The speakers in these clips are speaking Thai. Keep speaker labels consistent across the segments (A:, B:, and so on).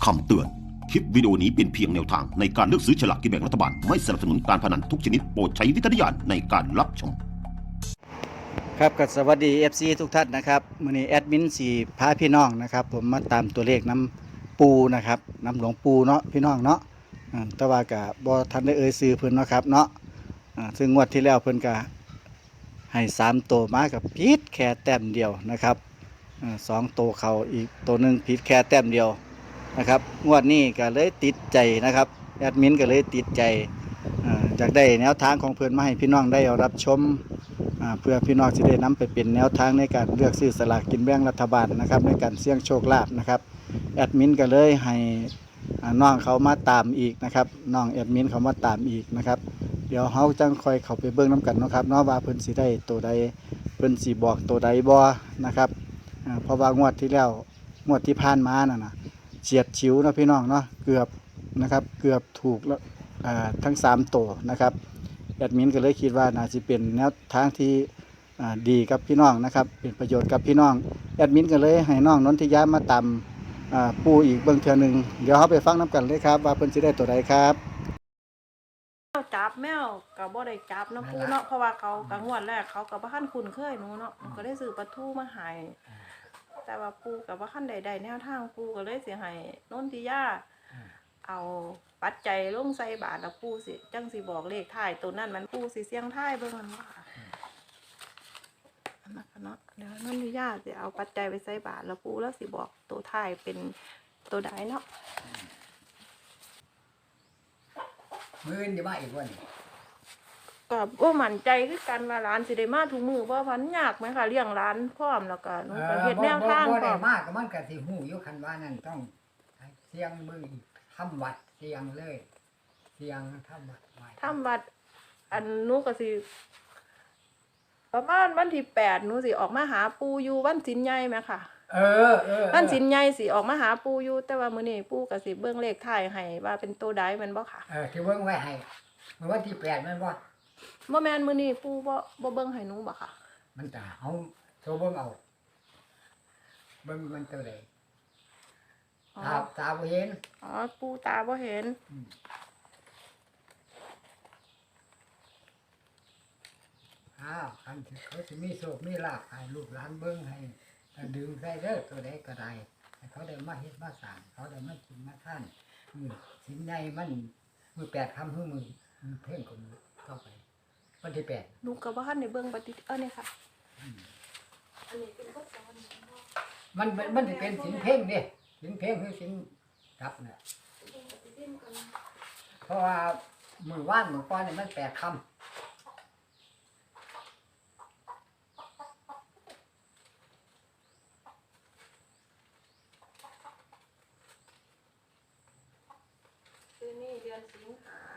A: คำเตือน คลิปวิดีโอนี้เป็นเพียงแนวทางในการเลือกซื้อฉลากกินแบ่งรัฐบาล ไม่สนับสนุนการพนันทุกชนิดโปรดใช้วิจารณญาณในการรับชม
B: ครับก็สวัสดี FC ทุกท่านนะครับมื้อนี้แอดมินสีพาพี่น้องนะครับผมมาตามตัวเลขน้ำปูนะครับน้ำหลวงปูเนาะพี่น้องเนาะแต่ว่าก็บ่ทันได้เอ่ยชื่อเพิ่นเนาะครับเนาะซึ่งงวดที่แล้วเพิ่นก็ให้3ตัวมากับผิดแค่แต้มเดียวนะครับ2ตัวเขาอีกตัวหนึงผิดแค่แต้มเดียวนะครับงวดนี้ก็เลยติดใจนะครับแอดมินก็เลยติดใจอยากได้แนวทางของเพิ่นมาให้พี่น้องได้รับชมเพื่อพี่น้องจะได้นำไปเป็นแนวทางในการเลือกซื้อสลากกินแบ่งรัฐบาลนะครับในการเสี่ยงโชคลาภนะครับแอดมินก็เลยให้น้องเขามาตามอีกนะครับน้องแอดมินเขามาตามอีกนะครับเดี๋ยวเขาจังคอยเขาไปเบิ่งน้ำกันนะครับเนาะว่าเพิ่นสิได้ตัวใดเพิ่นสิบอกตัวใดบ่นะครับเพราะว่างวดที่แล้วงวดที่ผ่านมาน่ะนะเฉียดฉิวนะพี่น้องเนาะเกือบนะครับเกือบถูกแล้วทั้ง3ตัวนะครับแอดมินก็เลยคิดว่าน่าจะเป็นแนวทางที่ดีกับพี่น้องนะครับเป็นประโยชน์กับพี่น้องแอดมินก็เลยให้น้องนนทิยามาตามปูอีกเบิ่งเทื่อนึงเดี๋ยวเขาไปฟังน้ำกันเลยครับว่าเพิ่นสิได้ตัวใดครับ
C: จับแมวกับบ่ได้จับเนาะปูเนาะเพราะว่าเขากังวดแรกเขากับว่าขั้นคุ้นเคยหนูเนาะก็ได้ซื้อปลาทูมาให้แต่ว่าปูกับว่าขั้นใดๆแนวทางปูก็เลยสิให้นนทิยาเอาปัจจัยลงใส่บาทแล้วปูสิจังสิบอกเลขท้ายตัวนั้นมันปูสิเสียงท้ายเบิ่งมันว่าอันนั้นเนาะเดี๋ยวนนทิยาสิเอาปัจจัยไปใส่บาทแล้วปูแล้วสิบอกตัวท้ายเป็นตัวใดเนาะ
D: มื้อนี้มาอีกวันนี้
C: ก็บ่มั่นใจคือกันว่าร้านสิได้มาทุกมื้อบ่พันยากไหมค่ะเลี้ยงร้านพร้อมแล้วก็หนูก็เฮ็ดแนวทางพร้
D: ได้
C: อม
D: มากก็มันก็สิฮู้อยู่คันว่านั่นต้องเสียงมือทำวัดเสียงเลยเสียงทำวัดไว้
C: ทำวัดอันหนูก็สิประมาณวันที่8หนูสิออกมาหาปู่อยู่วันศีลใหญ่แม่ค่ะวันศีลใหญ่สิออกมาหาปู่อยู่แต่ว่ามื้อนี้ปู่ก็สิเบิ่งเลขท้ายให้ว่าเป็นตัวใดแม่นบ่ค่ะ
D: ที่เบิ่งไว้ให้เมื่อวันที่8แม่นบ่
C: บ่แม่นมื้อนี้ปู่บ่เบิ่งให้หนูบ่ค่ะ
D: มันตาเฮาโทรเบิ่งเอาเบิ่งมันตัวใดตาบ่เห็น
C: อ๋อปู่ตาบ่เห็น
D: คันเขาสิมีโชคมีลาภให้ลูกหลานเบิ่งให้ดึงใส่เด้อตัวใดก็ได้ให้เขาได้มาเฮ็ดมาสร้างเขาได้มากินมาทานสินใหญ่มันมือ8ค่ำมือเพ่งคนเข้าไปวันที่8
C: หนูก็บ่ทันได้เบิ่งปฏินี่ค่ะอันนี้เป็นบ่สอน
D: มันสิเป็นสินเพ่งเด้สินเพ่งคือสินรับน่ะเพราะว่ามือว่านมือก้อนนี่มัน8ค่ำ
C: นี่เดือนสิงหา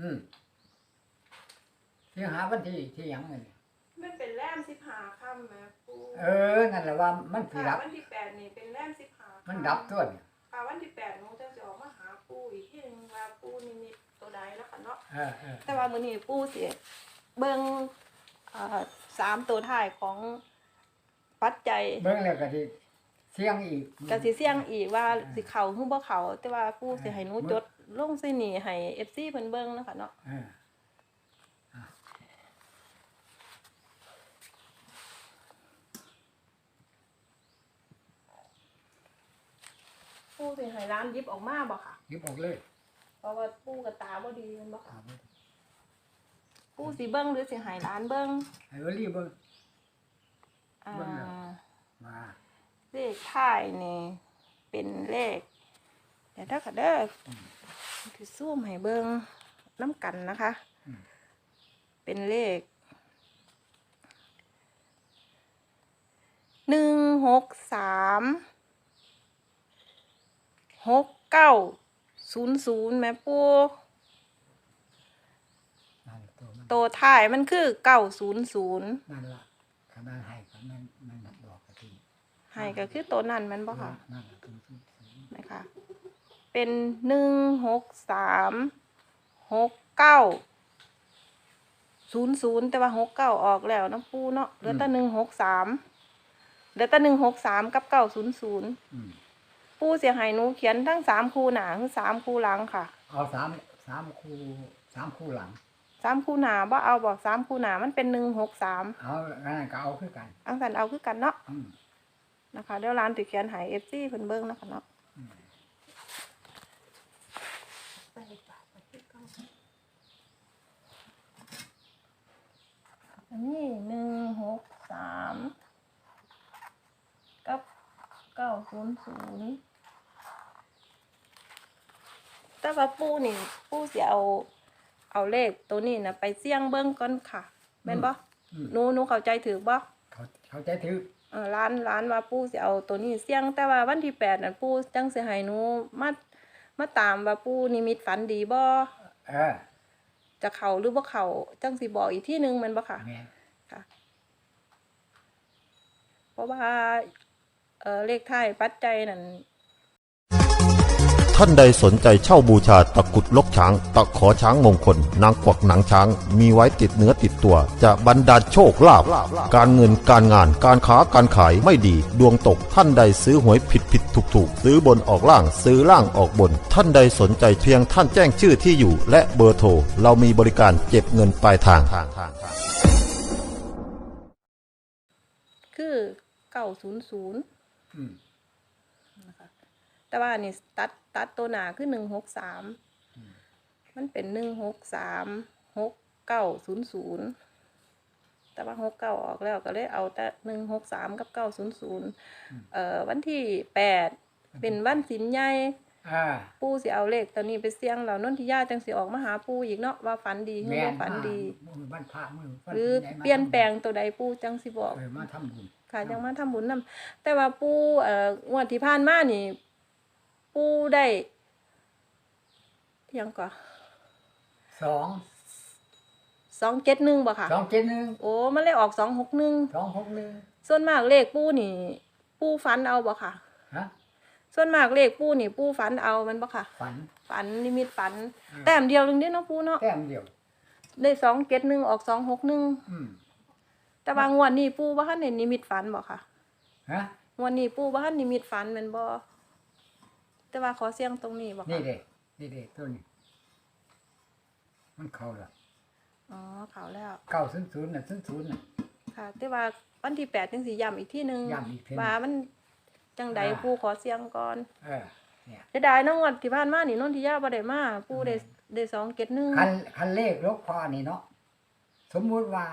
D: สิงหาวันที่หยังนี่
C: มันเป็นแรม15ค่ำแม่ปู
D: นั่นแหละว่ามันสิรับ
C: วันที่8นี่เป็นแรม15
D: มันดับตัวนี่
C: วันที่8หนูจะออกมาหาปูอีกทีนึงว่าปูนิดๆตัวใดแล้วกันเนาะแต่ว่ามื้อนี้ปูสิเบิ่ง3ตัวท้ายของปัจจัย
D: เบิ่งแล้วก็สิเสี่ยงอีก
C: ก็สิเสี่ยงอีกว่าสิเข้าหรือบ่เข้าแต่ว่าปูสิให้หนูจดลงใส่นี่ให้ FC เพิ่นเบิ่งนะคะเนาะปูสิให้ร้านยิบออกมาบ่ค่ะ
D: ยิบออกเลย
C: เพราะว่าปูกับตาบ่ดีมันบ่ค่ะปูสิเบิ่งหรือสิให้ร้านเบิ่ง
D: ให้วลีเบิ่งมา
C: เลขท้ายนี่เป็นเลขเดี๋ยวถ้าค่ะเด้อคือซูมให้เบิ่งน้ำกันนะคะเป็นเลข1636900แม่ปูโตท้ายมันคือ900
D: นั่นล่ะขนาดให้มันบอกกะทิ
C: ให้ก็คือตัวนั้นมันบ่ค่ะ
D: นั่น
C: นะคะเป็น1636900แต่ว่า69ออกแล้วนะปูเนาะเหลือแต่163กับ900 ปู่สิให้หนูเขียนทั้ง3คู่หน้าคือ3คู่หลังค่ะ
D: เอา3 คู่หลัง
C: 3คู่หน้าบ่เอาบ่3คู่หน้ามันเป็น163
D: เอางั้นก็เอาคือกัน
C: อังสันเอาคือกันเนาะ
D: อืม
C: นะคะเดี๋ยวร้านสิเขียนให้ FC เพิ่นเบิ่งนะคะเนาะอันนี้163กับ900แต่ว่าปู่นี่ปู่สิเอาเลขตัวนี้นะไปเสี่ยงเบิ่งก่อนค่ะแม่นบ่ หนูเข้าใจถูกบ่
D: เขาใจถือ
C: ร้านว่าปู่สิเอาตัวนี้เสี่ยงแต่ว่าวันที่8นั่นปู่จังสิให้หนูมาตามว่าปู่นิมิตฝันดีบ่ จะเข้าหรือบ่เข้าจังสิบอกอีกทีนึงแม่นบ่ค่ะ
D: แม่น
C: ค่ะ เพราะว่าเลขท้ายปัจจัยนั่น
A: ท่านใดสนใจเช่าบูชาตะกรุดลกช้าง ตะขอช้างมงคล นางกวักหนังช้าง มีไว้ติดเนื้อติดตัว จะบรรดาลโชคลาภการเงินการงานการค้าการขายไม่ดี ดวงตกท่านใดซื้อหวยผิดถูกซื้อบนออกล่างซื้อล่างออกบน ท่านใดสนใจเพียงท่านแจ้งชื่อที่อยู่ และเบอร์โทรเรามีบริการเก็บเงินปลายทาง
C: คือ900
D: อืม
C: นะคะแต่ว่านี่ตัดตัวหน้าคือ163มันเป็น1636900แต่ว่า69ออกแล้วก็เลยเอาแต่163กับ900วันที่8เป็นวันศีลใหญ่ปู่สิเอาเลขตัวนี้ไปเสี่ยงแล้วนนทิยาจังสิออกมาหาปู่อีกเนาะว่าฝันดีหรือบ่ฝันดี
D: มือบ้านพระมือวัน
C: หรือ
D: ไหมา
C: เปลี่ยนแปลงตัวใดปู่จังสิบอก
D: มาทำบุญ
C: ค่ะจังมาทำบุญนำแต่ว่าปู่งวดที่ผ่านมานี่ปู่ได้อิหยังก่อ 271บ่ค่ะ
D: 271
C: โอ้มันเลยออก261
D: 261
C: ส่วนมากเลขปู่นี่ปู่ฝันเอาบ่ค่ะ
D: ฮะ
C: ส่วนมากเลขปู่นี่ปู่ฝันเอามันบ่ค่ะ ฝันนิมิตฝัน แต้มเดียวนึงเด้เนาะปู่เนาะ
D: แต้มเดียว
C: ได้271ออก261
D: อืม
C: แต่ว่างวดนี้ปู่บ่ทันได้นิมิตฝันบ่ค่ะ
D: ฮะ
C: งวดนี้ปู่บ่ทันนิมิตฝันแม่นบ่แต่ว่าขอเสี่ยงตรงนี้บ่
D: นี่
C: ค่ะ
D: เด้ตัวนี้ มันเข้าแล้ว
C: อ๋อเข้าแล้ว
D: 900น่ะ00น่ะ
C: ค่ะ แต่ว่าวันที่8จังสิย้ำอีกทีนึง
D: ย้ำอีกทีนึง
C: ว่ามันจังใดปู่ขอเสี่ยงก่อน
D: เนี่ย
C: เสียดายเนาะงวดที่ผ่านมานี่นนทิยาบ่ได้มาปู่ได้271
D: คันเลขลกพอนี่เนาะสมมุติว่า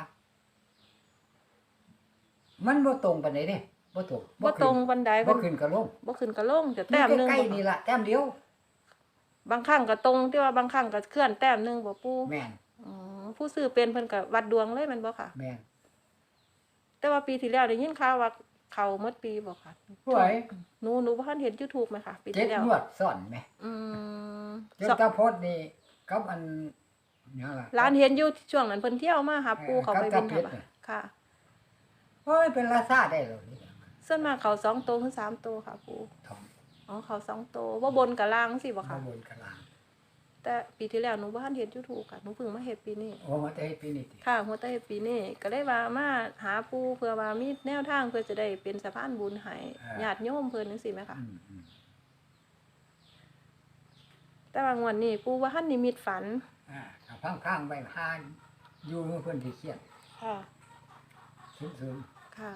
D: มันบ่ตรงปานใดเด้บ่ตรง
C: บ่ตรงปานใด
D: บ่ขึ้นก็ลง
C: บ่ขึ้นก็ลงจะแต้มหนึง
D: ใกล้ๆนี่ล่ะแต้มเดียว
C: บางครั้งก็ตรงแต่ว่าบางครั้งก็เคลื่อนแต้มหนึงบ่ปู่
D: แม่น
C: อ๋อผู้ซื้อเป็นเพิ่นก็วัดดวงเลยแม่นบ่ค่ะ
D: แม่น
C: แต่ว่าปีที่แล้วได้ยินข่าวว่าเข้าหมดปีบ่ค่ะ
D: หวย
C: หนูบ่ทันเห็น YouTube ไหมคะปี
D: เจ็ด
C: ที่แล้ว
D: งวดซ้อนแหม
C: อืม
D: จนตาพดนี่กับอันหยังล่ะ
C: ร้านเห็นอยู่ช่วงนั้นเพิ่นเที่ยวมาหาปู่เขาไปบิน
D: กับตาเพชร
C: ค่ะค่ะ
D: โอ้ยเป็นราซาได้แล้วนี่
C: ส่วนมากเขา2ตัวถึง3ตัวค่ะปู่
D: ทอง
C: อ๋อเขา2ตัวบ่บนกับล่างสิบ่
D: มา
C: ค่ะ
D: บนกลาง
C: แต่ปีที่แล้วหนูบ่ทันเห็น YouTube ค่ะหนูเพิ่งมาเฮ็ดปีนี้
D: โอ้มาแต่เฮ็ดปีนี้ติ
C: ค่ะหัวใต้ปีนี้ก็เลยว่ามาหาปู่เพื่อว่ามีแนวทางเพื่อจะได้เป็นสะพานบุญให้ญาติโยมเพิ่นจังซี่แหมค่ะ
D: อืม
C: แต่ว่างวดนี้ปู่ว่าทันนิมิตฝัน
D: ถ้าพังๆไว้หาอยู่เพิ่นสิเครียด
C: ค่ะ
D: ซึม
C: ค่ะ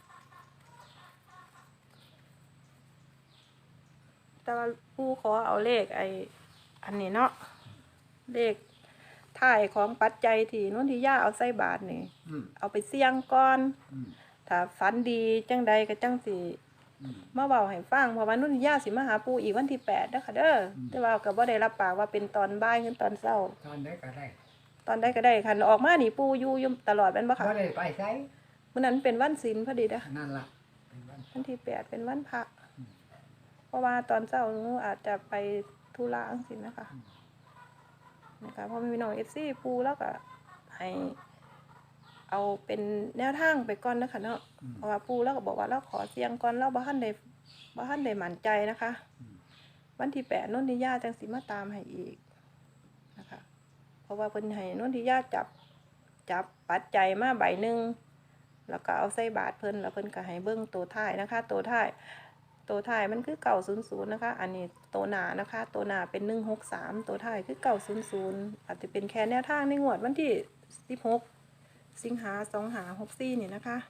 C: แต่ว่าปู่ขอเอาเลขอันนี้เนาะเลขท้ายของปัจจัยที่นนทิยาเอาใส่บาทนี่
D: อืม
C: เอาไปเสี่ยงก่อน
D: อืม
C: ถ้าฝันดีจังใดก็จังสิ
D: อืม
C: มาเว้าให้ฟังเพราะว่านนทิยาสิมาหาปู่อีกวันที่8เด้อค่ะเด้อแต่ว่าก็บ่ได้รับปากว่าเป็นตอนบ่ายหรือตอนเช้า
D: ตอนได้ก็ได้
C: ตอนใดก็ได้คันออกมานี่ปู่อยู่ตลอดแม่นบ่ค่ะ
D: บ่ได้ไปไส
C: มื้อนั้นเป็นวันศีลพอดีเด้อ
D: นั่นล่ะเป็นวัน
C: วันที่8เป็นวันพระเพราะว่าตอนเช้าหนูอาจจะไปธุระจังซี่นะคะนะคะเพราะมีน้อง FC ปู่แล้วก็ให้เอาเป็นแนวทางไปก่อนนะคะเนาะเพราะว่าปู่แล้วก็บอกว่าเราขอเสียงก่อนเราบ่ทันได้มั่นใจนะคะ วันที่8นนทิยาจังสิมาตามให้อีกนะคะ เพราะว่าเพิ่นให้นนทิยาจับปัจจัยมาใบหนึ่งแล้วก็เอาใส่บาทเพิ่นแล้วเพิ่นก็ให้เบิ่งตัวท้ายนะคะตัวท้ายตัวท้ายมันคือ900นะคะอันนี้ตัวหน้านะคะตัวหน้าเป็น163ตัวท้ายคือ900อาจจะเป็นแค่แนวทางในงวดวันที่16สิงหา2564นี่นะคะ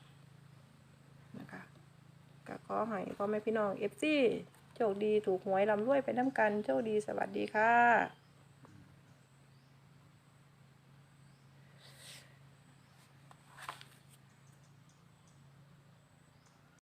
C: ก็ขอให้พ่อแม่พี่น้อง FC โชคดีถูกหวยร่ำรวยไปนำกันโชคดีสวัสดีค่ะ